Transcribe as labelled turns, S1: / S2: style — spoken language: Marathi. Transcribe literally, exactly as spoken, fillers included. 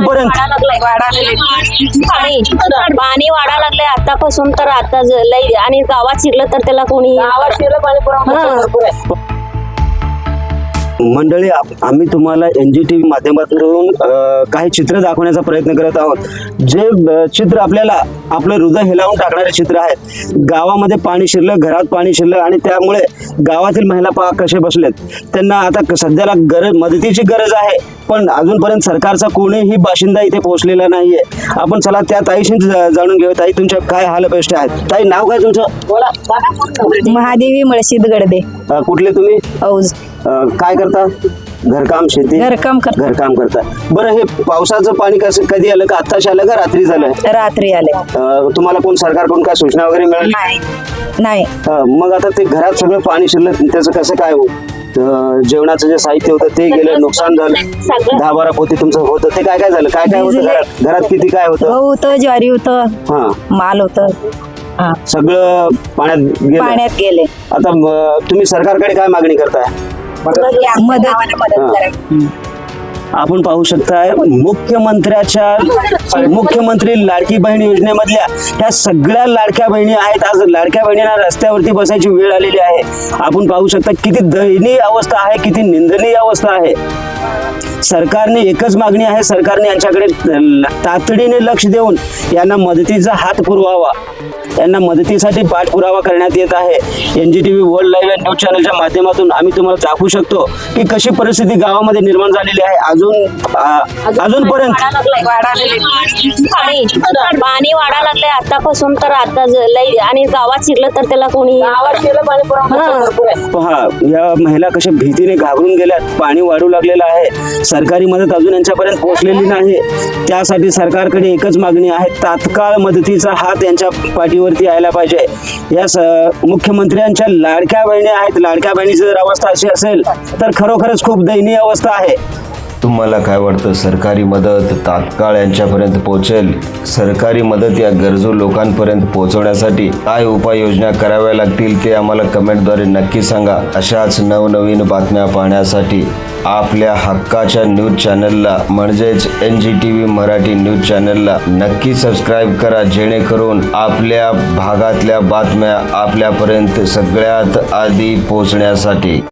S1: अजूनपर्यंत
S2: पाणी पाणी वाढा लागलंय आतापासून तर आता ज- लई आणि गावात शिरलं तर त्याला कोणी हा.
S1: मंडळी, आप- आम्ही तुम्हाला एन जी टी व्ही माध्यमातून अ, काही चित्र दाखवण्याचा प्रयत्न करत आहोत. जे अ, चित्र आपल्याला आपलं हृदय हेलावून टाकणारे चित्र आहेत. गावामध्ये पाणी शिरलं, घरात पाणी शिरलं आणि त्यामुळे गावातील महिला पहा कसे बसलेत. त्यांना आता क- सध्याला गरज मदतीची गरज आहे, पण अजूनपर्यंत सरकारचा कोणीही बाशिंदा इथे पोहोचलेला नाहीये. आपण चला त्या ताईशी जा- जाणून घेऊ. ताई, तुमच्या काय हालअपेष्टा आहेत? ताई, नाव काय तुमचं?
S3: महादेवी मळशीद गडदे,
S1: अ, कुठले तुम्ही?
S3: औज.
S1: अ, काय करता? घरकाम, शेती?
S3: घरकाम कर
S1: घरकाम करता. बरं, हे पावसाचं पाणी कसं कधी आलं? का आत्ताच आलं का रात्री झालं?
S3: रात्री आले.
S1: अ, तुम्हाला कोण सरकारकडून काय सूचना वगैरे मिळाली?
S3: नाही नाही
S1: अ, मग आता ते घरात सगळं पाणी शिरलं, त्याचं कसं काय हो? अ, जेवणाचं जे साहित्य होतं ते गेलं, नुकसान झालं. दहा बारा पोती तुमचं होतं, ते काय काय झालं? काय काय होतं घरात? घरात किती काय होतं?
S3: गहू होतं, ज्वारी होतं,
S1: हा,
S3: माल होतं, हा.
S1: सगळं पाण्यात गेलं.
S3: पाण्यात गेले.
S1: आता म, तुम्ही सरकारकडे काय मागणी करताय?
S3: मदत मदत
S1: हा.
S3: करायची.
S1: आपण पाहू शकताय मुख्यमंत्र्याच्या मुख्यमंत्री लाडकी बहीण योजनेमधल्या ह्या सगळ्या लाडक्या बहिणी आहेत. आज लाडक्या बहिणींना रस्त्यावरती बसायची वेळ आलेली आहे. आपण पाहू शकता किती दयनीय अवस्था आहे, किती निंदनीय अवस्था आहे. सरकारने एकच मागणी आहे, सरकारने यांच्याकडे तातडीने लक्ष देऊन यांना मदतीचा हात पुरवावा. यांना मदतीसाठी पाठपुरावा करण्यात येत आहे. N G T V world live news चॅनलच्या माध्यमातून आम्ही तुम्हाला दाखवू शकतो की कशी परिस्थिती गावामध्ये निर्माण झालेली आहे. अजून आ, अजूनपर्यंत
S2: पाणी पाणी वाढा लागलंय आतापासून तर आता ज- लई आणि गावात शिरलं तर त्याला कोणी हा.
S1: पहा, या महिला कशा भीतीने घाबरून गेल्यात. पाणी वाढू लागलेलं आहे. सरकारी मदत अजून यांच्यापर्यंत पोहोचलेली नाही. त्यासाठी सरकारकडे एकच मागणी आहे, तात्काळ मदतीचा हात यांच्या पाठीवरती यायला पाहिजे. या स- मुख्यमंत्र्यांच्या लाडक्या बहिणी आहेत. लाडक्या बहिणीची जर अवस्था अशी असेल तर खरोखरच खूप दयनीय अवस्था आहे.
S4: तुम्हाला काय वाटतं, सरकारी मदत तात्काळ यांच्यापर्यंत पोहोचेल? सरकारी मदत या गरजू लोकांपर्यंत पोहोचवण्यासाठी काय उपाययोजना कराव्या लागतील ते आम्हाला कमेंटद्वारे नक्की सांगा. अशाच नवनवीन बातम्या पाहण्यासाठी आपल्या हक्काच्या न्यूज चॅनलला म्हणजेच N G T V Marathi news चॅनलला नक्की सबस्क्राईब करा, जेणेकरून आपल्या भागातल्या बातम्या आपल्यापर्यंत सगळ्यात आधी पोहोचण्यासाठी.